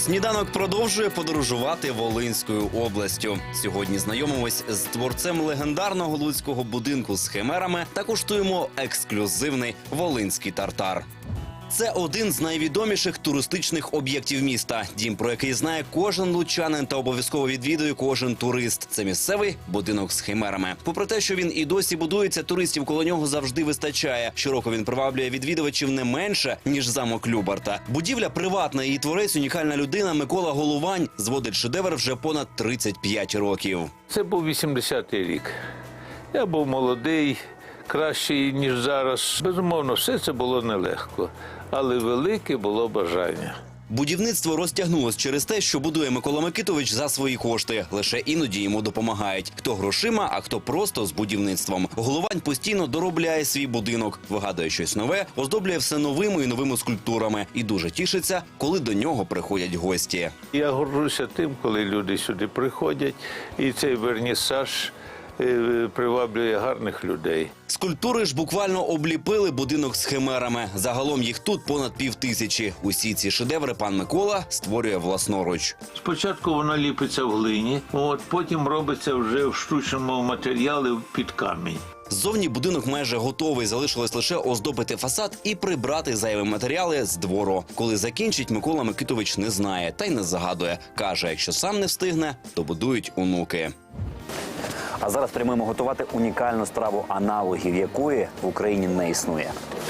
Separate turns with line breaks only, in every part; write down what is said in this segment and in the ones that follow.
Сніданок продовжує подорожувати Волинською областю. Сьогодні знайомимось з творцем легендарного луцького будинку з химерами та куштуємо ексклюзивний волинський тартар. Це один з найвідоміших туристичних об'єктів міста. Дім, про який знає кожен лучанин та обов'язково відвідує кожен турист. Це місцевий будинок з химерами. Попри те, що він і досі будується, туристів коло нього завжди вистачає. Щороку він приваблює відвідувачів не менше, ніж замок Любарта. Будівля приватна, її творець – унікальна людина Микола Головань. Зводить шедевр вже понад 35 років.
Це був 80-й рік. Я був молодий, кращий, ніж зараз. Безумовно, все це було нелегко, але велике було бажання.
Будівництво розтягнулось через те, що будує Микола Микитович за свої кошти. Лише іноді йому допомагають. Хто грошима, а хто просто з будівництвом. Головань постійно доробляє свій будинок, вигадує щось нове, оздоблює все новими і новими скульптурами. І дуже тішиться, коли до нього приходять гості.
Я горжуся тим, коли люди сюди приходять, і цей вернісаж приваблює гарних людей.
Скульптури ж буквально обліпили будинок з химерами. Загалом їх тут понад 5000. Усі ці шедеври пан Микола створює власноруч.
Спочатку воно ліпиться в глині, потім робиться вже в штучному матеріалі під камінь.
Ззовні будинок майже готовий, залишилось лише оздобити фасад і прибрати зайві матеріали з двору. Коли закінчить, Микола Микитович не знає та й не загадує. Каже, якщо сам не встигне, то будують онуки.
А зараз прямуємо готувати унікальну страву, аналогів якої в Україні не існує.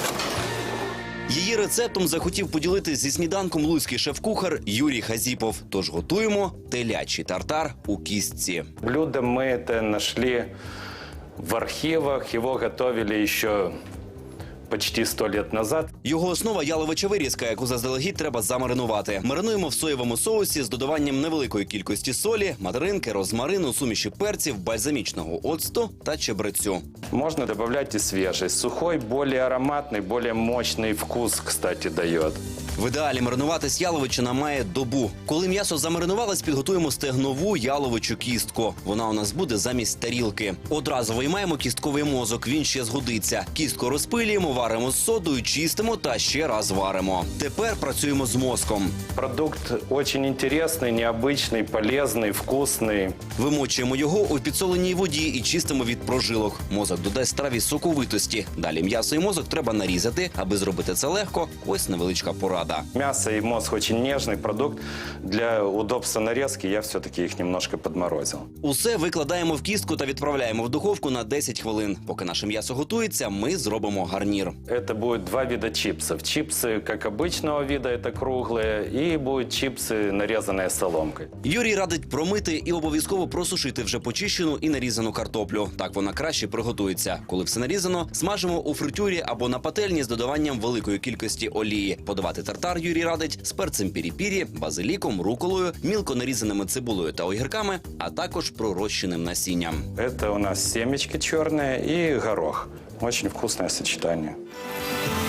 Її рецептом захотів поділитись зі сніданком луцький шеф-кухар Юрій Хазіпов. Тож готуємо телячий тартар у кістці.
Блюдо мы это нашли в архивах, его готовили еще почти 100 лет назад.
Його основа – яловича вирізка, яку заздалегідь треба замаринувати. Маринуємо в соєвому соусі з додаванням невеликої кількості солі, материнки, розмарину, суміші перців, бальзамічного оцту та чебрецю.
Можно добавлять и свежий. Сухой, более ароматный, более мощный вкус, кстати, дает.
В ідеалі маринуватись яловичина має добу. Коли м'ясо замаринувалось, підготуємо стегнову яловичу кістку. Вона у нас буде замість тарілки. Одразу виймаємо кістковий мозок, він ще згодиться. Кістку розпилюємо, варимо з содою, чистимо та ще раз варимо. Тепер працюємо з мозком.
Продукт очень интересный, необычный, полезный, вкусный.
Вимочуємо його у підсоленій воді і чистимо від прожилок. Мозок додасть страві соковитості. Далі м'ясо і мозок треба нарізати. Аби зробити це легко, ось невеличка порада.
Мясо и мозг очень нежный продукт. Для удобства нарезки я все-таки их немножко подморозил.
Усе викладаємо в кістку та відправляємо в духовку на 10 хвилин. Поки наше м'ясо готується, ми зробимо гарнір.
Это будет два вида чипсов. Чипсы, как обычного вида, это круглые, и будут чипсы, нарезанные соломкой.
Юрій радить промити і обов'язково просушити вже почищену і нарізану картоплю. Так вона краще приготується. Коли все нарізано, смажимо у фритюрі або на пательні з додаванням великої кількості олії. Подавати тартар Юрій радить з перцем пірі-пірі, базиліком, руколою, мілко нарізаними цибулею та огірками, а також пророщеним насінням.
Это у нас семечки черные и горох. Очень вкусное сочетание.